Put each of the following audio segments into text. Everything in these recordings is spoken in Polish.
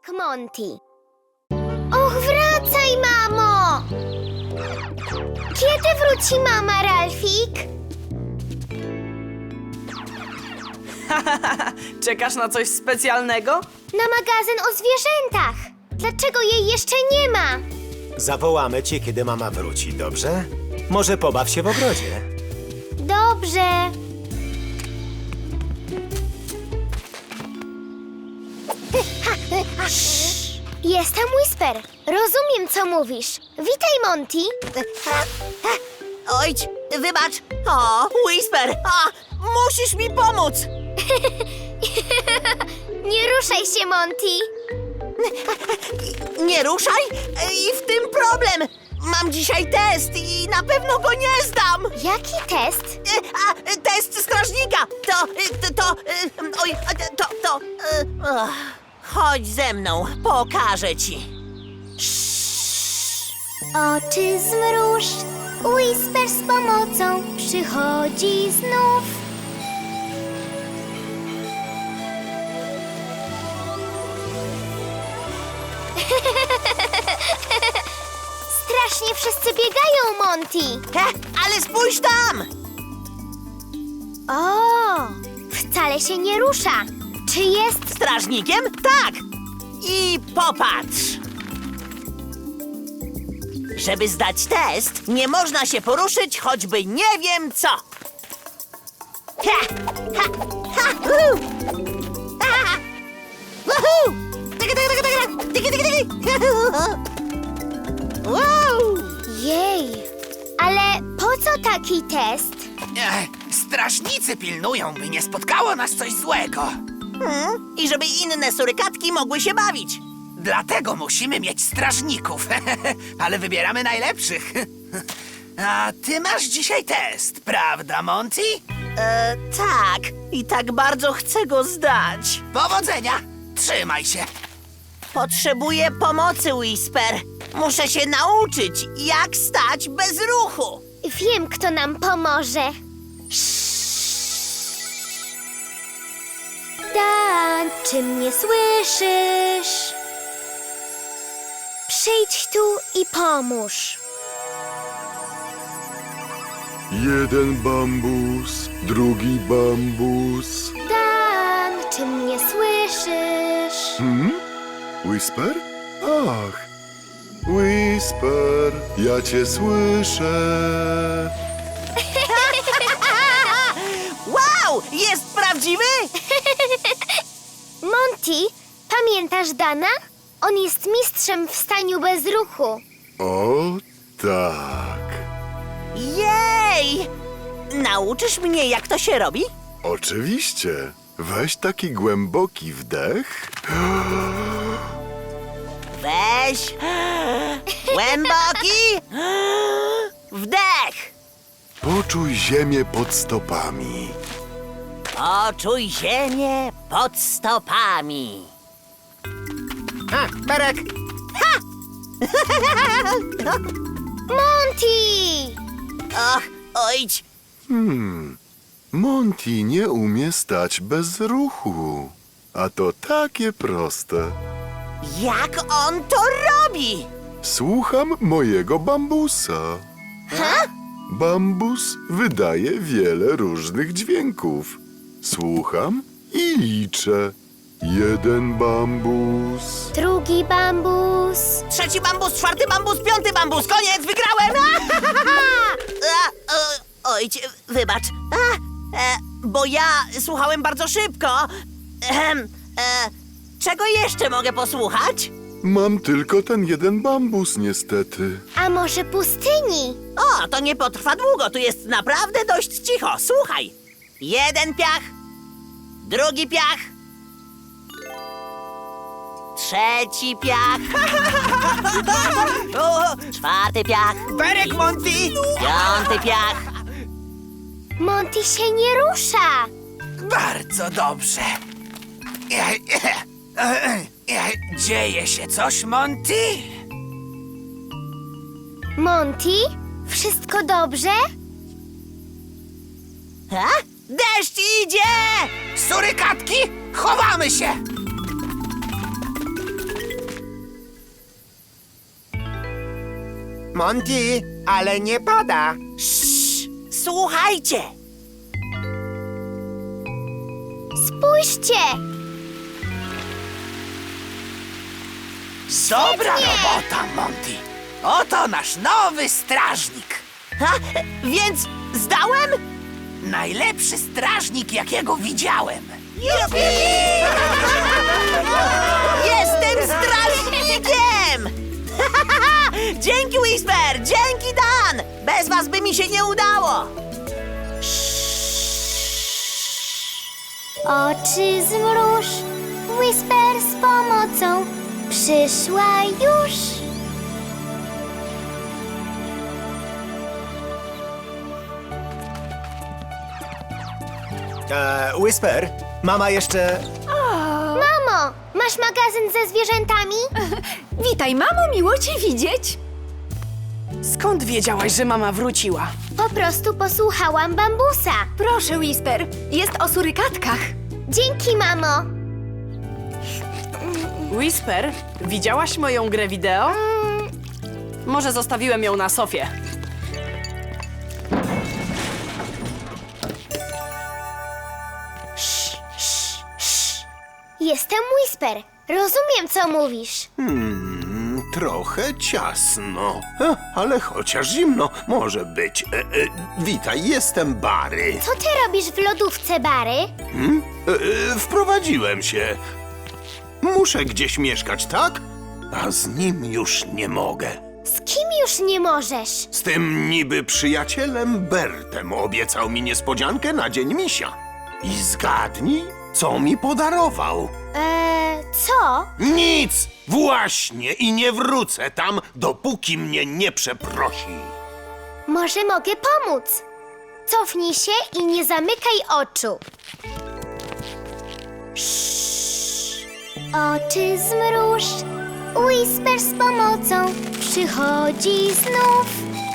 Tak, Monty. Och, wracaj, mamo! Kiedy wróci mama, Ralfik? Czekasz na coś specjalnego? Na magazyn o zwierzętach. Dlaczego jej jeszcze nie ma? Zawołamy cię, kiedy mama wróci, dobrze? Może pobaw się w ogrodzie. Dobrze. Jestem Whisper. Rozumiem, co mówisz. Witaj, Monty. Ojcz, wybacz. O, Whisper, musisz mi pomóc. Nie ruszaj się, Monty. Nie ruszaj i w tym problem. Mam dzisiaj test i na pewno go nie zdam. Jaki test? Test strażnika. Chodź ze mną, pokażę ci. Oczy zmruż. Whisper z pomocą przychodzi znów. Strasznie wszyscy biegają, Monty. Ale spójrz tam. O, wcale się nie rusza. Czy jest... Strażnikiem? Tak. I popatrz. Żeby zdać test, nie można się poruszyć, choćby nie wiem co. Ha! Ha! Ha! Woohoo! Ha! Woohoo! Tyki, tyki, tyki, tyki, tyki, tyki, tyki. Wow! Jej, ale po co taki test? Strażnicy pilnują, by nie spotkało nas coś złego. I żeby inne surykatki mogły się bawić. Dlatego musimy mieć strażników, ale wybieramy najlepszych. A ty masz dzisiaj test, prawda, Monty? Tak. I tak bardzo chcę go zdać. Powodzenia! Trzymaj się! Potrzebuję pomocy, Whisper. Muszę się nauczyć, jak stać bez ruchu. Wiem, kto nam pomoże. Dan, czy mnie słyszysz? Przyjdź tu i pomóż. Jeden bambus, drugi bambus. Dan, czy mnie słyszysz? Whisper? Ach, Whisper, ja cię słyszę. Wow, jest prawdziwy? Monty, pamiętasz Dana? On jest mistrzem w staniu bez ruchu. O, tak. Jej! Nauczysz mnie, jak to się robi? Oczywiście. Weź taki głęboki wdech. Weź. Głęboki. Wdech. Poczuj ziemię pod stopami. Poczuj ziemię pod stopami. Berek! Monty! Och, ojcz. Monty nie umie stać bez ruchu. A to takie proste. Jak on to robi? Słucham mojego bambusa. Bambus wydaje wiele różnych dźwięków. Słucham i liczę. Jeden bambus. Drugi bambus. Trzeci bambus, czwarty bambus, piąty bambus. Koniec, wygrałem! Ojcze, wybacz. Bo ja słuchałem bardzo szybko. Czego jeszcze mogę posłuchać? Mam tylko ten jeden bambus, niestety. A może pustyni? O, to nie potrwa długo, tu jest naprawdę dość cicho. Słuchaj. Jeden piach, drugi piach, trzeci piach, czwarty piach, Berek, Monty! piąty piach. Monty się nie rusza. Bardzo dobrze. Dzieje się coś, Monty? Monty, wszystko dobrze? Deszcz idzie! Surykatki, chowamy się! Monty, ale nie pada. Słuchajcie! Spójrzcie! Dobra robota, Monty. Oto nasz nowy strażnik. Ha? Więc zdałem? Najlepszy strażnik, jakiego widziałem. Jestem strażnikiem! Dzięki, Whisper! Dzięki, Dan! Bez was by mi się nie udało! Oczy zmruż, Whisper z pomocą przyszła już. Whisper, mama jeszcze... Mamo, masz magazyn ze zwierzętami? Witaj, mamo, miło cię widzieć. Skąd wiedziałaś, że mama wróciła? Po prostu posłuchałam bambusa. Proszę, Whisper, jest o surykatkach. Dzięki, mamo. Whisper, widziałaś moją grę wideo? Może zostawiłem ją na sofie. Jestem Whisper. Rozumiem, co mówisz. Trochę ciasno, ale chociaż zimno może być. Witaj, jestem Barry. Co ty robisz w lodówce, Barry? Wprowadziłem się. Muszę gdzieś mieszkać, tak? A z nim już nie mogę. Z kim już nie możesz? Z tym niby przyjacielem Bertem obiecał mi niespodziankę na Dzień Misia. I zgadnij, co mi podarował. Co? Nic! Właśnie! I nie wrócę tam, dopóki mnie nie przeprosi. Może mogę pomóc. Cofnij się i nie zamykaj oczu. Oczy zmruż, Whisper z pomocą przychodzi znów.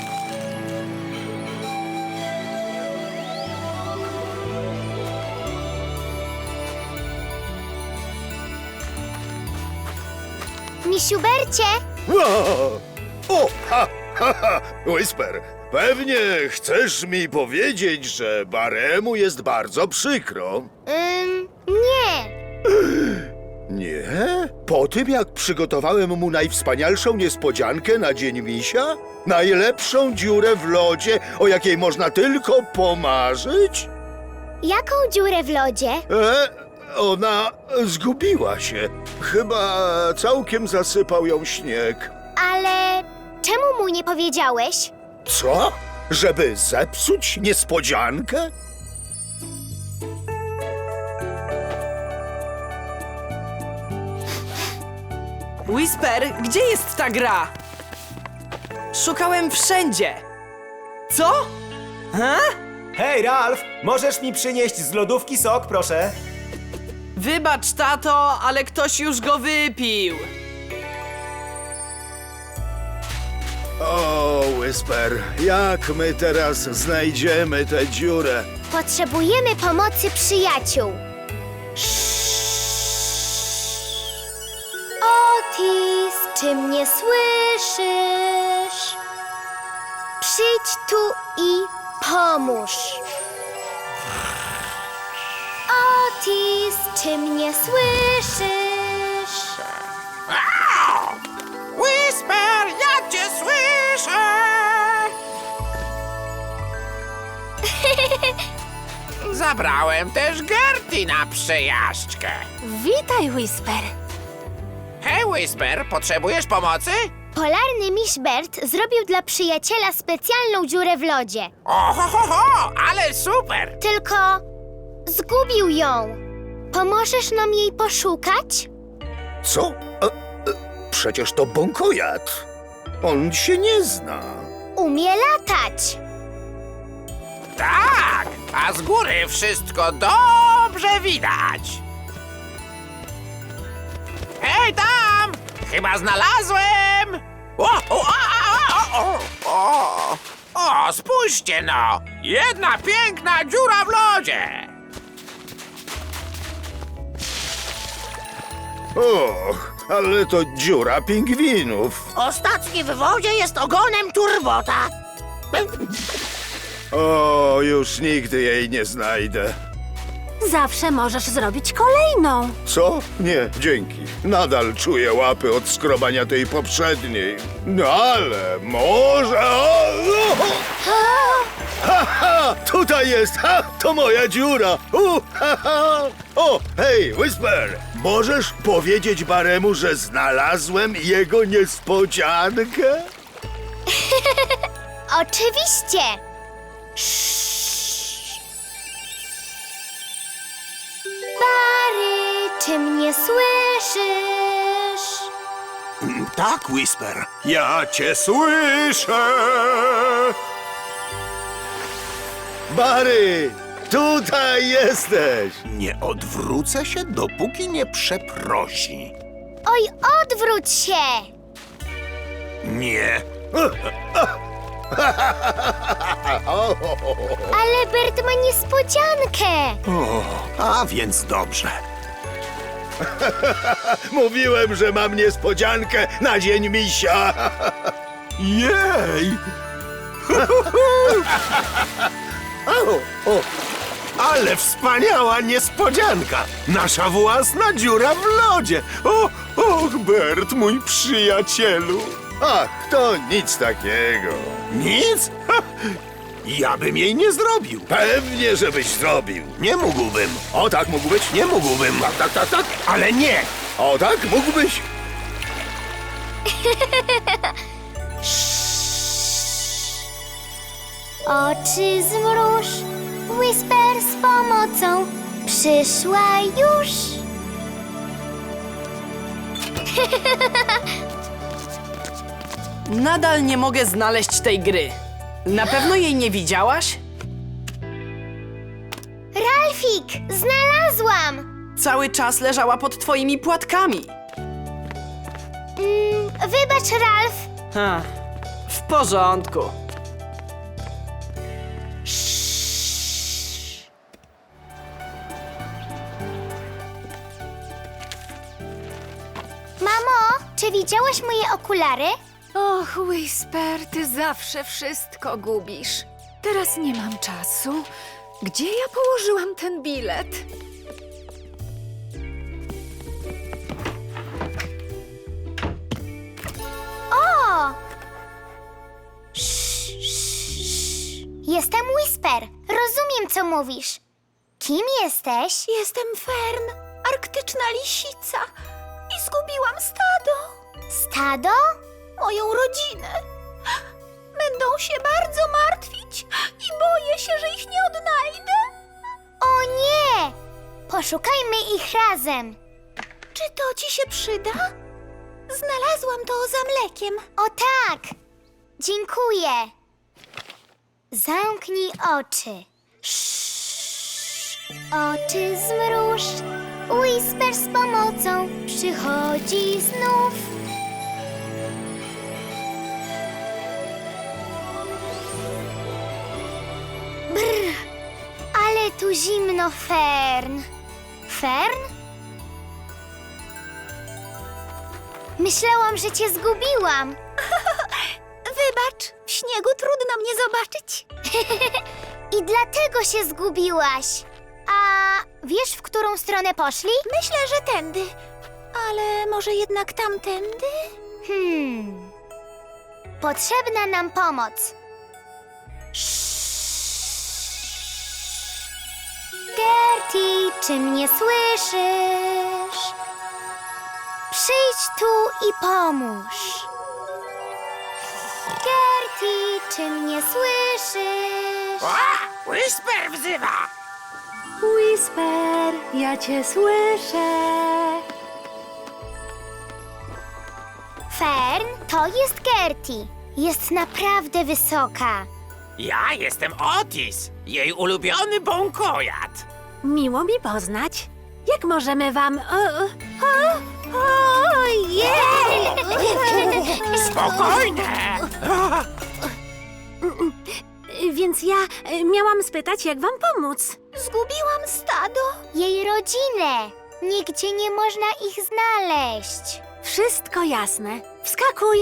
Misiu Bercie, O, ha, Whisper, pewnie chcesz mi powiedzieć, że Baremu jest bardzo przykro. nie. Nie? Po tym, jak przygotowałem mu najwspanialszą niespodziankę na Dzień Misia? Najlepszą dziurę w lodzie, o jakiej można tylko pomarzyć? Jaką dziurę w lodzie? Ona zgubiła się. Chyba całkiem zasypał ją śnieg. Ale czemu mu nie powiedziałeś? Co? Żeby zepsuć niespodziankę? Whisper, gdzie jest ta gra? Szukałem wszędzie. Co? Hej, Ralph, możesz mi przynieść z lodówki sok, proszę? Wybacz, tato, ale ktoś już go wypił. O, Whisper, jak my teraz znajdziemy tę dziurę? Potrzebujemy pomocy przyjaciół. Otis, czy mnie słyszysz? Przyjdź tu i pomóż. Otis, czy mnie słyszysz? Whisper, ja cię słyszę! Zabrałem też Gertie na przejażdżkę. Witaj, Whisper. Hej, Whisper, potrzebujesz pomocy? Polarny miś Bert zrobił dla przyjaciela specjalną dziurę w lodzie. Oho, ale super! Tylko zgubił ją. Pomożesz nam jej poszukać? Co? Przecież to bąkojad. On się nie zna. Umie latać. Tak, a z góry wszystko dobrze widać. Hej, tam! Chyba znalazłem! O, spójrzcie no! Jedna piękna dziura w lodzie! Och, ale to dziura pingwinów. Ostatni w wodzie jest ogonem turbota. O, już nigdy jej nie znajdę. Zawsze możesz zrobić kolejną. Co? Nie, dzięki. Nadal czuję łapy od skrobania tej poprzedniej. No ale może... Ha, ha, tutaj jest! Ha, to moja dziura! Ha, ha. O, hej, Whisper! Możesz powiedzieć Baremu, że znalazłem jego niespodziankę? Oczywiście. Bary, czy mnie słyszysz? Tak, Whisper. Ja cię słyszę! Barry, tutaj jesteś! Nie odwrócę się, dopóki nie przeprosi. Oj, odwróć się! Nie. Ale Bert ma niespodziankę. O, a więc dobrze. Mówiłem, że mam niespodziankę na dzień misia! Jej! Ale wspaniała niespodzianka! Nasza własna dziura w lodzie! Och, Bert, mój przyjacielu! Ach, to nic takiego. Nic? Ha! Ja bym jej nie zrobił. Pewnie, żebyś zrobił. Nie mógłbym. O tak mógł być? Nie mógłbym. Tak. Ale nie! O tak mógłbyś? Oczy zmruż, Whisper z pomocą przyszła już. Nadal nie mogę znaleźć tej gry. Na pewno jej nie widziałaś? Ralfik, znalazłam! Cały czas leżała pod twoimi płatkami. Wybacz, Ralf. Ha, w porządku. Mamo, czy widziałaś moje okulary? Och, Whisper, ty zawsze wszystko gubisz. Teraz nie mam czasu. Gdzie ja położyłam ten bilet? O! Jestem Whisper. Rozumiem, co mówisz. Kim jesteś? Jestem Fern, arktyczna lisica i zgubiłam stado. Stado? Moją rodzinę. Będą się bardzo martwić i boję się, że ich nie odnajdę. O nie! Poszukajmy ich razem. Czy to ci się przyda? Znalazłam to za mlekiem. O tak! Dziękuję. Zamknij oczy. Oczy zmruż. Whisper z pomocą przychodzi znów. Brr, ale tu zimno, Fern. Fern? Myślałam, że cię zgubiłam. Wybacz, w śniegu trudno mnie zobaczyć. I dlatego się zgubiłaś. A wiesz, w którą stronę poszli? Myślę, że tędy. Ale może jednak tamtędy? Potrzebna nam pomoc. Gertie, czy mnie słyszysz? Przyjdź tu i pomóż. Gertie, czy mnie słyszysz? Whisper wzywa! Whisper, ja cię słyszę. Fern, to jest Gertie. Jest naprawdę wysoka. Ja jestem Otis, jej ulubiony bąkojad. Miło mi poznać. Jak możemy wam... Ojej! Spokojne! Więc ja miałam spytać, jak wam pomóc. Zgubiłam stado. Jej rodzinę. Nigdzie nie można ich znaleźć. W Wszystko jasne. Wskakuj.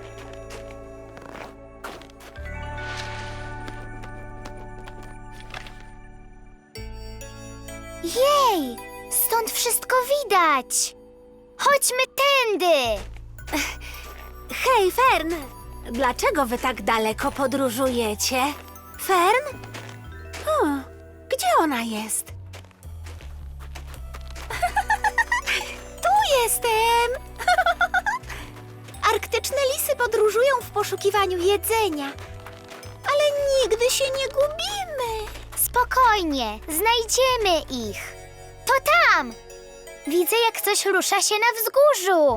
Jej, stąd wszystko widać. Chodźmy tędy. Hej, Fern! Dlaczego wy tak daleko podróżujecie? Fern? Gdzie ona jest? Tu jestem! Arktyczne lisy podróżują w poszukiwaniu jedzenia. Ale nigdy się nie gubimy. Spokojnie, znajdziemy ich. To tam. Widzę, jak coś rusza się na wzgórzu.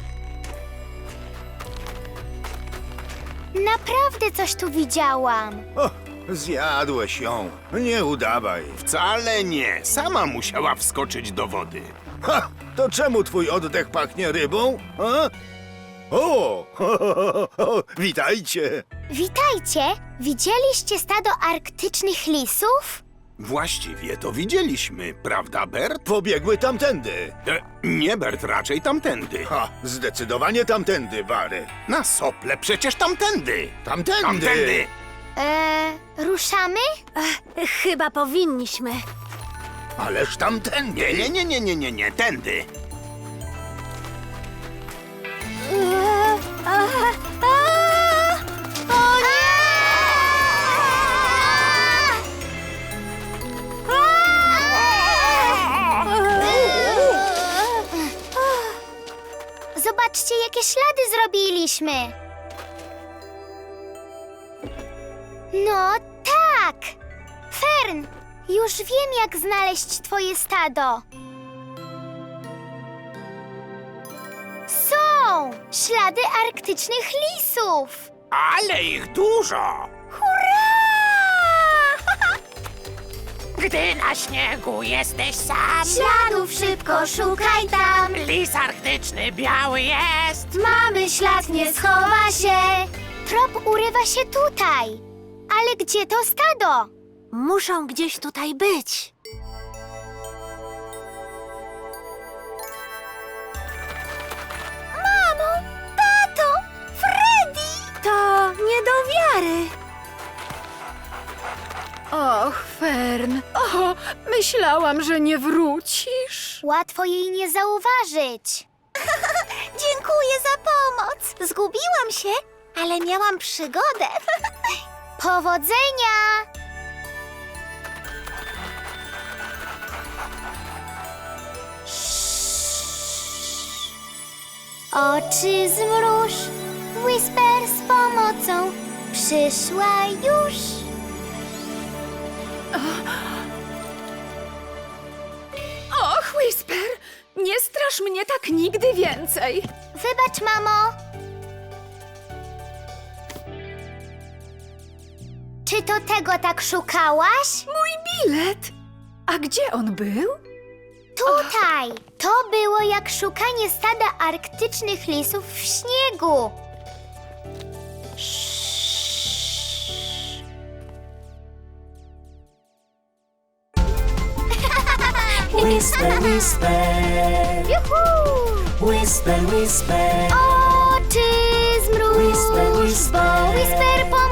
Naprawdę coś tu widziałam. O, zjadłeś ją. Nie udawaj. Wcale nie. Sama musiała wskoczyć do wody. Ha! To czemu twój oddech pachnie rybą? A? O! Witajcie! Witajcie! Widzieliście stado arktycznych lisów? Właściwie to widzieliśmy, prawda, Bert? Pobiegły tamtędy. Nie, Bert, raczej tamtędy. Ha! Zdecydowanie tamtędy, Bary. Na sople przecież tamtędy. Tamtędy! Tamtędy! Ruszamy? Chyba powinniśmy. Ależ tamtędy! Nie, tędy. O nie! Zobaczcie, jakie ślady zrobiliśmy. No tak! Fern, już wiem, jak znaleźć twoje stado. Są! Ślady arktycznych lisów! Ale ich dużo! Gdy na śniegu jesteś sam, Śladów szybko szukaj tam! lis arktyczny biały jest. Mamy ślad, nie schowa się! Trop urywa się tutaj! Ale gdzie to stado? Muszą gdzieś tutaj być. Mamo! Tato! Freddy! To nie do wiary. Och, Fern. O, myślałam, że nie wrócisz. Łatwo jej nie zauważyć. Dziękuję za pomoc. Zgubiłam się, ale miałam przygodę. Powodzenia! Oczy zmruż, Whisper z pomocą przyszła już. Och, Whisper, nie strasz mnie tak nigdy więcej. Wybacz, mamo. Czy to tego tak szukałaś? Mój bilet. A gdzie on był? Tutaj! To było jak szukanie stada arktycznych lisów w śniegu. Whisper, whisper, Juhu! whisper, whisper, Oczy zmruż, Whisper, whisper. bo Whisper